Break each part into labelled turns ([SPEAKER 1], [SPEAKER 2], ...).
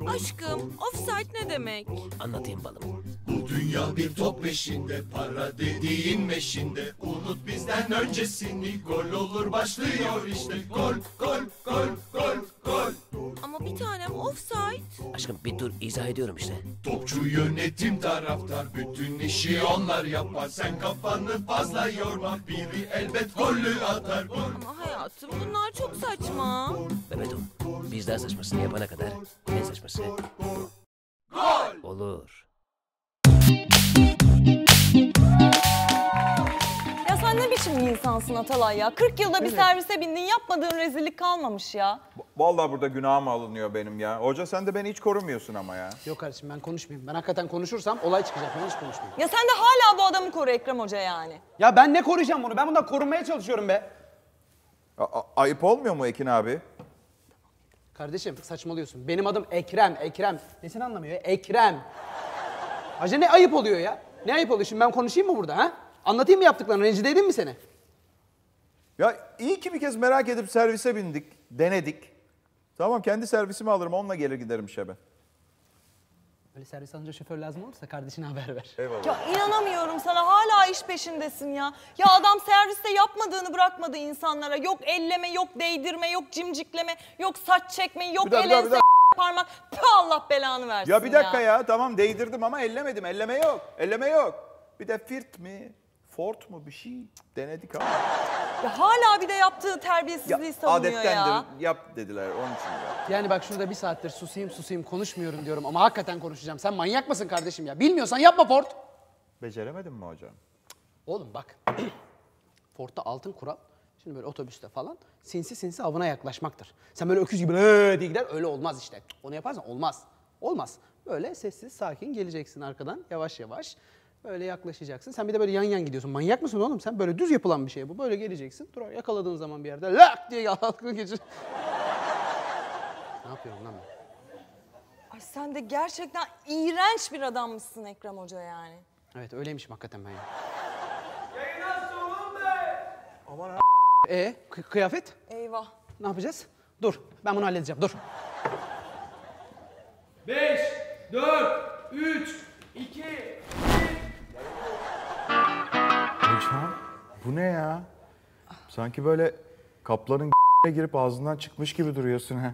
[SPEAKER 1] Aşkım, offside ne demek?
[SPEAKER 2] Anlatayım balım.
[SPEAKER 3] Bu dünya bir top peşinde, para dediğin meşinde. Unut bizden öncesini, gol olur başlıyor işte. Gol, gol, gol, gol, gol.
[SPEAKER 1] Ama bir tanem offside.
[SPEAKER 2] Aşkım bir dur, izah ediyorum işte.
[SPEAKER 3] Topçu yönetim taraftar, bütün işi onlar yapar. Sen kafanı fazla yorma, biri elbet golü atar. Gol.
[SPEAKER 1] Ama hayatım bunlar çok saçma.
[SPEAKER 2] Mehmet'im, biz daha saçmasını yapana kadar en saçması
[SPEAKER 3] Gol!
[SPEAKER 2] olur.
[SPEAKER 4] Ya sen ne biçim bir insansın Atalay ya? 40 yılda bir servise bindin, yapmadığın rezillik kalmamış ya.
[SPEAKER 5] Vallahi burada günahım alınıyor benim ya. Hoca sen de beni hiç korumuyorsun ama ya.
[SPEAKER 6] Yok kardeşim ben konuşmayayım. Ben hakikaten konuşursam olay çıkacak. Ben hiç konuşmayayım.
[SPEAKER 4] Ya sen de hala bu adamı koru Ekrem Hoca yani.
[SPEAKER 6] Ya ben ne koruyacağım bunu? Ben bundan korunmaya çalışıyorum be.
[SPEAKER 5] Ayıp olmuyor mu Ekin abi?
[SPEAKER 6] Kardeşim saçmalıyorsun. Benim adım Ekrem, Ekrem. Nesini anlamıyor ya? Ekrem. Hacı ne ayıp oluyor ya? Ne ayıp oluyor? Şimdi ben konuşayım mı burada ha? Anlatayım mı yaptıklarını? Rencide edeyim mi seni?
[SPEAKER 5] Ya iyi ki bir kez merak edip servise bindik, denedik. Tamam kendi servisimi alırım, onunla gelir giderim işe ben.
[SPEAKER 6] Böyle servis alınca şoför lazım olursa kardeşine haber ver.
[SPEAKER 5] Eyvallah.
[SPEAKER 4] Ya inanamıyorum sana, hala iş peşindesin ya. Ya adam serviste yapmadığını bırakmadı insanlara. Yok elleme, yok değdirme, yok cimcikleme, yok saç çekme, yok
[SPEAKER 5] Bir dakika,
[SPEAKER 4] el
[SPEAKER 5] bir
[SPEAKER 4] ense parmak. Püh, Allah belanı versin
[SPEAKER 5] Ya bir dakika ya, tamam değdirdim ama ellemedim. Elleme yok, elleme yok. Bir de firt mi, fort mu bir şey denedik ama.
[SPEAKER 4] Ya hala bir de yaptığı terbiyesizliği savunuyor
[SPEAKER 5] adettendir,
[SPEAKER 4] ya.
[SPEAKER 5] yap dediler onun için ya.
[SPEAKER 6] Yani bak şurada bir saattir susayım konuşmuyorum diyorum ama hakikaten konuşacağım. Sen manyak mısın kardeşim ya? Bilmiyorsan yapma Ford.
[SPEAKER 5] Beceremedim mi hocam?
[SPEAKER 6] Oğlum bak. Ford'da altın kural. Şimdi böyle otobüste falan sinsi sinsi avına yaklaşmaktır. Sen böyle öküz gibi diye gider, öyle olmaz işte. Onu yaparsan olmaz. Olmaz. Böyle sessiz sakin geleceksin arkadan yavaş yavaş. Böyle yaklaşacaksın. Sen bir de böyle yan yan gidiyorsun. Manyak mısın oğlum? Sen böyle düz yapılan bir şey bu. Böyle geleceksin. Dur yakaladığın zaman bir yerde lak diye aklını geçir. Ne yapıyorum lan ben?
[SPEAKER 4] Ay sen de gerçekten iğrenç bir adammışsın Ekrem Hoca yani.
[SPEAKER 6] Evet öyleymişim hakikaten ben ya. Kıyafet?
[SPEAKER 4] Eyvah.
[SPEAKER 6] Ne yapacağız? Dur ben bunu halledeceğim dur.
[SPEAKER 7] 5, 4, 3, 2,
[SPEAKER 5] Hocam bu ne ya? Sanki böyle kaplanın girip ağzından çıkmış gibi duruyorsun ha.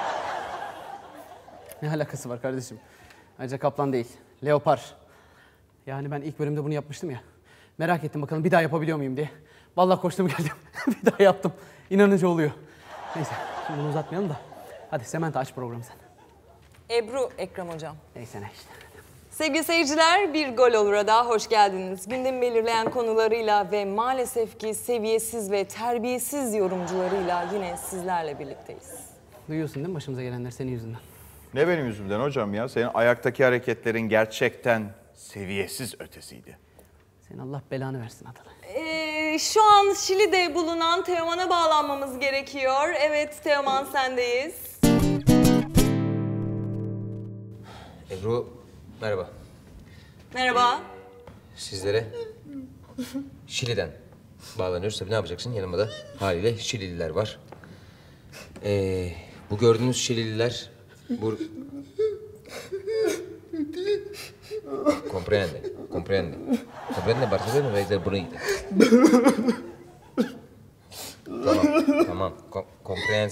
[SPEAKER 6] Ne alakası var kardeşim? Ayrıca kaplan değil, leopar. Yani ben ilk bölümde bunu yapmıştım ya. Merak ettim bakalım bir daha yapabiliyor muyum diye. Vallahi koştum geldim. Bir daha yaptım. İnanıcı oluyor. Neyse şimdi bunu uzatmayalım da. Hadi Sementa aç programı sen.
[SPEAKER 4] Ebru Ekrem Hocam.
[SPEAKER 6] Neyse ne işte.
[SPEAKER 4] Sevgili seyirciler, bir Gol Olur'a daha hoş geldiniz. Gündemi belirleyen konularıyla ve maalesef ki seviyesiz ve terbiyesiz yorumcularıyla yine sizlerle birlikteyiz.
[SPEAKER 6] Duyuyorsun değil mi başımıza gelenler senin yüzünden?
[SPEAKER 5] Ne benim yüzümden hocam ya? Senin ayaktaki hareketlerin gerçekten seviyesiz ötesiydi.
[SPEAKER 6] Senin Allah belanı versin Atalay.
[SPEAKER 4] Şu an Şili'de bulunan Teoman'a bağlanmamız gerekiyor. Evet Teoman sendeyiz.
[SPEAKER 8] Ebru, merhaba.
[SPEAKER 4] Merhaba.
[SPEAKER 8] Sizlere Şili'den bağlanıyoruz. Tabii ne yapacaksın? Yanımda da haliyle Şilililer var. Bu gördüğünüz Şilililer... Comprende. Comprende, Barcelona ve de burayı. Tamam. Comprende.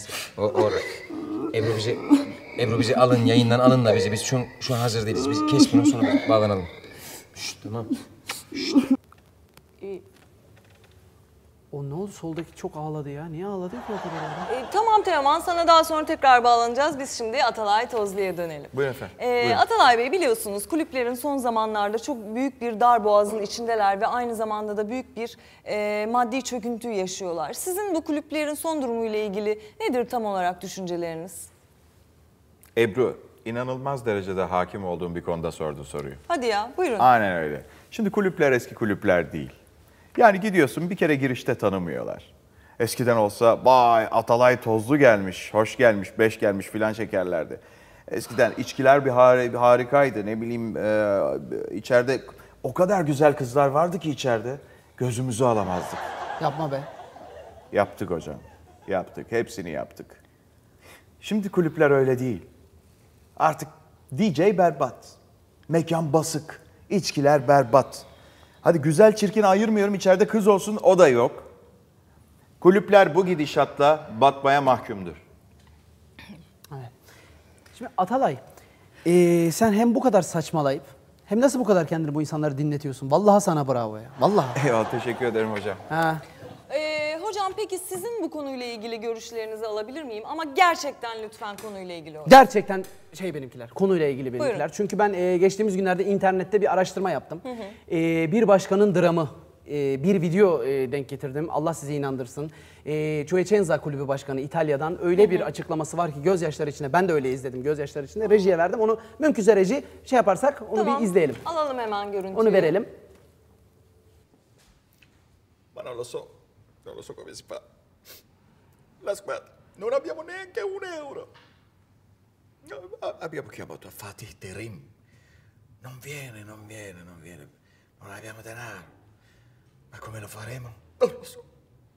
[SPEAKER 8] Ebru bizi alın, yayından alın da bizi. Biz şu an hazır değiliz. Biz kes bunu sonra bağlanalım. Şşt, tamam.
[SPEAKER 6] O ne oldu soldaki çok ağladı ya. Niye ağladı ki o kadar ya?
[SPEAKER 4] Tamam Teoman, sana daha sonra tekrar bağlanacağız. Biz şimdi Atalay Tozlu'ya dönelim.
[SPEAKER 5] Buyurun efendim. Buyurun.
[SPEAKER 4] Atalay Bey, biliyorsunuz kulüplerin son zamanlarda çok büyük bir darboğazın içindeler ve aynı zamanda da büyük bir maddi çöküntü yaşıyorlar. Sizin bu kulüplerin son durumuyla ilgili nedir tam olarak düşünceleriniz?
[SPEAKER 5] Ebru, inanılmaz derecede hakim olduğum bir konuda sordu soruyu.
[SPEAKER 4] Hadi ya, buyurun.
[SPEAKER 5] Aynen öyle. Şimdi kulüpler eski kulüpler değil. Yani gidiyorsun bir kere girişte tanımıyorlar. Eskiden olsa vay Atalay Tozlu gelmiş, hoş gelmiş, beş gelmiş filan çekerlerdi. Eskiden içkiler bir harikaydı, ne bileyim içeride o kadar güzel kızlar vardı ki içeride gözümüzü alamazdık.
[SPEAKER 6] Yapma be.
[SPEAKER 5] Yaptık hocam, yaptık, hepsini yaptık. Şimdi kulüpler öyle değil. Artık DJ berbat. Mekan basık. İçkiler berbat. Hadi güzel çirkin ayırmıyorum, içeride kız olsun, o da yok. Kulüpler bu gidişatla batmaya mahkumdur.
[SPEAKER 6] Evet. Şimdi Atalay, sen hem bu kadar saçmalayıp hem nasıl bu kadar kendini bu insanları dinletiyorsun? Vallahi sana bravo ya. Vallahi.
[SPEAKER 5] Eyvallah, teşekkür ederim hocam.
[SPEAKER 6] Ha.
[SPEAKER 4] Hocam peki sizin bu konuyla ilgili görüşlerinizi alabilir miyim? Ama gerçekten lütfen konuyla ilgili olsun.
[SPEAKER 6] Gerçekten benimkiler, konuyla ilgili benimkiler.
[SPEAKER 4] Buyurun.
[SPEAKER 6] Çünkü ben geçtiğimiz günlerde internette bir araştırma yaptım. Bir başkanın dramı, bir video denk getirdim. Allah sizi inandırsın. Civicenza Kulübü Başkanı İtalya'dan öyle bir açıklaması var ki gözyaşları içinde, ben de öyle izledim gözyaşları içinde. Rejiye verdim, onu mümkünse reji yaparsak onu
[SPEAKER 4] Tamam,
[SPEAKER 6] bir izleyelim.
[SPEAKER 4] alalım hemen görüntüyü.
[SPEAKER 6] Onu verelim.
[SPEAKER 3] Ma non lo so come si fa. La squadra, non abbiamo neanche €1. No, abbiamo chiamato Fatih Terim. Non viene. Non abbiamo denaro. Ma come lo faremo? Non lo so.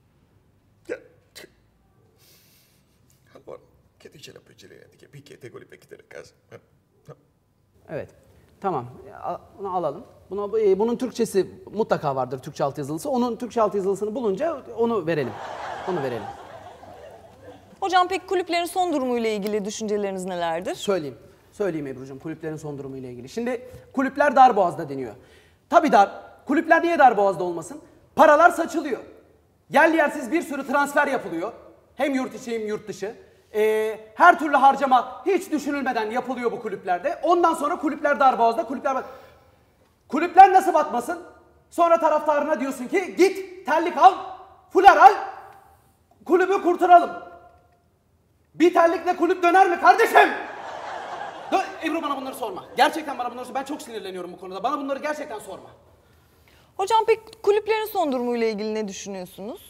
[SPEAKER 3] Allora, che dice la peggiorante? Che picchiate con i vecchi della casa? No.
[SPEAKER 6] Evet. Tamam. Bunu alalım. Bunun Türkçesi mutlaka vardır, Türkçe altyazılısı. Onun Türkçe altyazılısını bulunca onu verelim. Onu verelim.
[SPEAKER 4] Hocam peki kulüplerin son durumuyla ilgili düşünceleriniz nelerdir?
[SPEAKER 6] Söyleyeyim Ebru'cum, kulüplerin son durumuyla ilgili. Şimdi kulüpler darboğazda deniyor. Tabii kulüpler niye darboğazda olmasın? Paralar saçılıyor. Yerli yersiz bir sürü transfer yapılıyor. Hem yurt içi hem yurt dışı. Her türlü harcama hiç düşünülmeden yapılıyor bu kulüplerde. Ondan sonra kulüpler darboğazda, kulüpler nasıl batmasın? Sonra taraftarına diyorsun ki git terlik al, fular al, kulübü kurtaralım. Bir terlikle kulüp döner mi kardeşim? Ebru bana bunları sorma. Gerçekten bana bunları sorma. Ben çok sinirleniyorum bu konuda. Bana bunları gerçekten sorma.
[SPEAKER 4] Hocam peki kulüplerin son durumuyla ilgili ne düşünüyorsunuz?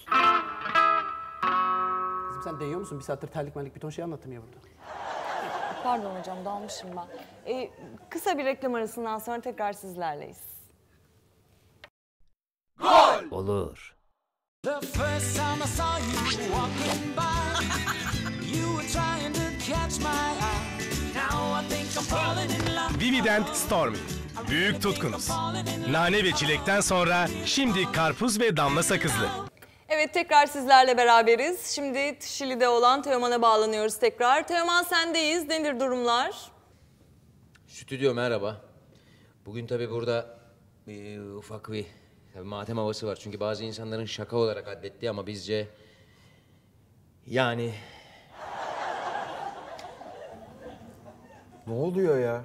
[SPEAKER 6] Kızım sen değiyor musun? Bir saattir terlik bir ton şey anlattım ya burada.
[SPEAKER 4] Pardon hocam, dalmışım ben. Kısa bir reklam arasından sonra tekrar sizlerleyiz.
[SPEAKER 2] Olur.
[SPEAKER 9] The first time I saw you walking by, you were trying to catch my eye. Now I think I'm falling in love.
[SPEAKER 10] Vivident Stormy. Büyük tutkunuz. Nane ve çilekten sonra şimdi karpuz ve damla sakızlı.
[SPEAKER 4] Evet, tekrar sizlerle beraberiz. Şimdi Şili'de olan Teoman'a bağlanıyoruz tekrar. Teoman sendeyiz. Nedir durumlar?
[SPEAKER 8] Stüdyo merhaba. Bugün tabii burada ufak bir matem havası var. Çünkü bazı insanların şaka olarak addettiği ama bizce yani...
[SPEAKER 5] Ne oluyor ya?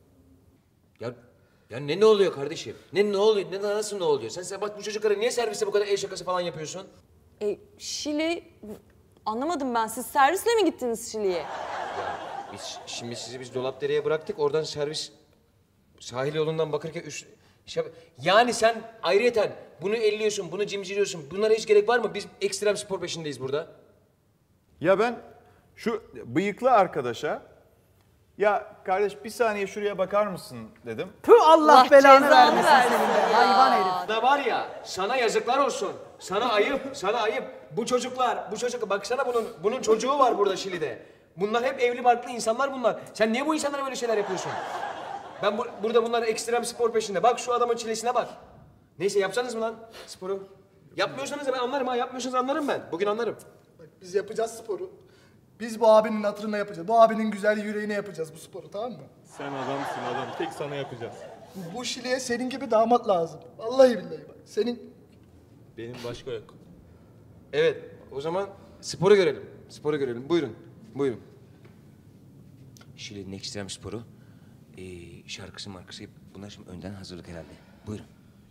[SPEAKER 8] Ya ne oluyor kardeşim? Ne oluyor? Nasıl ne oluyor? Sen bak bu çocuklara niye serviste bu kadar el şakası falan yapıyorsun?
[SPEAKER 4] Şili... Anlamadım ben. Siz servisle mi gittiniz Şili'ye?
[SPEAKER 8] Şimdi sizi biz Dolapdere'ye bıraktık. Oradan servis sahil yolundan Bakırköy yani sen ayrıyeten bunu elliyorsun, bunu cimciriyorsun. Bunlara hiç gerek var mı? Biz ekstrem spor peşindeyiz burada.
[SPEAKER 5] Ya ben şu bıyıklı arkadaşa, ya kardeş bir saniye şuraya bakar mısın dedim.
[SPEAKER 6] Tüh, Allah belanı
[SPEAKER 4] cezanı
[SPEAKER 6] vermesin
[SPEAKER 4] versin
[SPEAKER 6] senin de.
[SPEAKER 4] ya.
[SPEAKER 6] Hayvan herif.
[SPEAKER 8] Da var ya, sana yazıklar olsun. Sana ayıp. Bu çocuk baksana bunun çocuğu var burada Şili'de. Bunlar hep evli barklı insanlar bunlar. Sen niye bu insanlara böyle şeyler yapıyorsun? Ben burada bunlar ekstrem spor peşinde. Bak şu adamın çilesine bak. Neyse yapsanız mı lan sporu? Yapmıyorsanız da ben anlarım ha. Yapmıyorsanız anlarım ben. Bugün anlarım.
[SPEAKER 11] Bak biz yapacağız sporu. Biz bu abinin hatırına yapacağız. Bu abinin güzel yüreğine yapacağız bu sporu, tamam mı?
[SPEAKER 12] Sen adamsın adam. Tek sana yapacağız.
[SPEAKER 11] Bu Şili'ye senin gibi damat lazım. Vallahi billahi bak. Senin...
[SPEAKER 12] Benim başka yok.
[SPEAKER 8] Evet, o zaman sporu görelim. Buyurun. Şili'nin ekstrem sporu, şarkısı markası, bunlar şimdi önden hazırlık herhalde. Buyurun.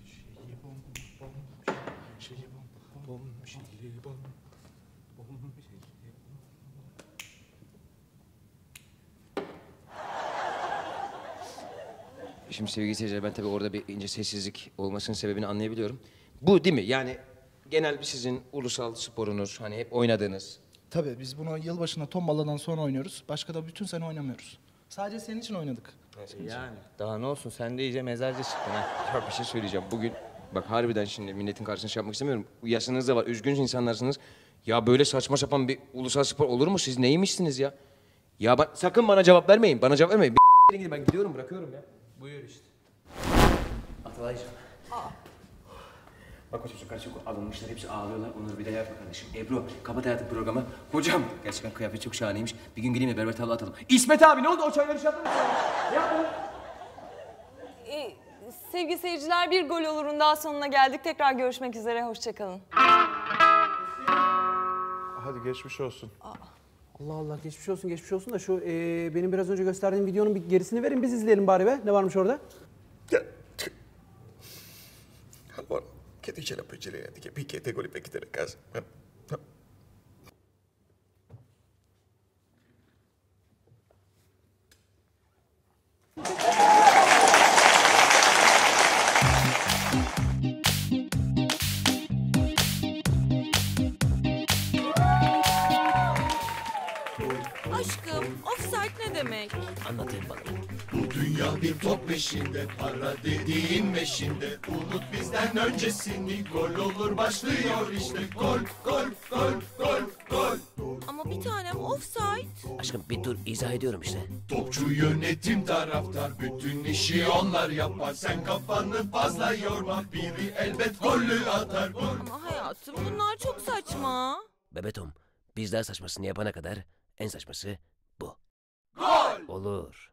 [SPEAKER 8] Şimdi sevgili seyirciler, ben tabii orada bir ince sessizlik olmasının sebebini anlayabiliyorum. Bu değil mi? Yani genel bir sizin ulusal sporunuz, hani hep oynadığınız.
[SPEAKER 11] Tabii biz bunu yılbaşında tombaladan sonra oynuyoruz. Başka da bütün sene oynamıyoruz. Sadece senin için oynadık.
[SPEAKER 12] Yani daha ne olsun, sen de iyice mezarcı çıktın ha.
[SPEAKER 8] Ya bir şey söyleyeceğim. Bugün bak harbiden şimdi milletin karşısına şey yapmak istemiyorum. Yaşınız da var, üzgün insanlarsınız. Ya böyle saçma sapan bir ulusal spor olur mu? Siz neymişsiniz ya? Ya sakın bana cevap vermeyin. Bana cevap vermeyin. Gidin ben gidiyorum bırakıyorum ya.
[SPEAKER 7] Buyur işte.
[SPEAKER 2] Atalaycığım. Bak o çocuklar çok alınmışlar, hepsi ağlıyorlar. Onları bir de yapma kardeşim. Ebru, kapat hayatım programı. Hocam, gerçekten kıyafet çok şahaneymiş. Bir gün geleyim de berber tavla atalım.
[SPEAKER 8] İsmet abi ne oldu? O çayları şey yaptın mı? Ne yaptın?
[SPEAKER 4] Sevgili seyirciler, bir gol olurun daha sonuna geldik. Tekrar görüşmek üzere, hoşçakalın.
[SPEAKER 5] Hadi geçmiş olsun.
[SPEAKER 6] Allah Allah geçmiş olsun da şu benim biraz önce gösterdiğim videonun bir gerisini verin biz izleyelim bari be. Ne varmış orada?
[SPEAKER 3] Allora, che dice la peggioretta che picchia te con i vecchi della casa?
[SPEAKER 1] Aşkım, offside ne demek?
[SPEAKER 2] Anlatayım bana.
[SPEAKER 13] Bu dünya bir top peşinde, para dediğin meşinde. Unut bizden öncesini, gol olur başlıyor işte. Gol, gol, gol, gol, gol.
[SPEAKER 1] Ama bir tanem offside.
[SPEAKER 2] Aşkım bir dur, izah ediyorum işte.
[SPEAKER 13] Topçu yönetim taraftar, bütün işi onlar yapar. Sen kafanı fazla yorma, biri elbet golü atar. Gol.
[SPEAKER 1] Ama hayatım bunlar çok saçma.
[SPEAKER 2] Bebetom, biz daha saçmasını yapana kadar en saçması bu.
[SPEAKER 13] Gol!
[SPEAKER 2] Olur.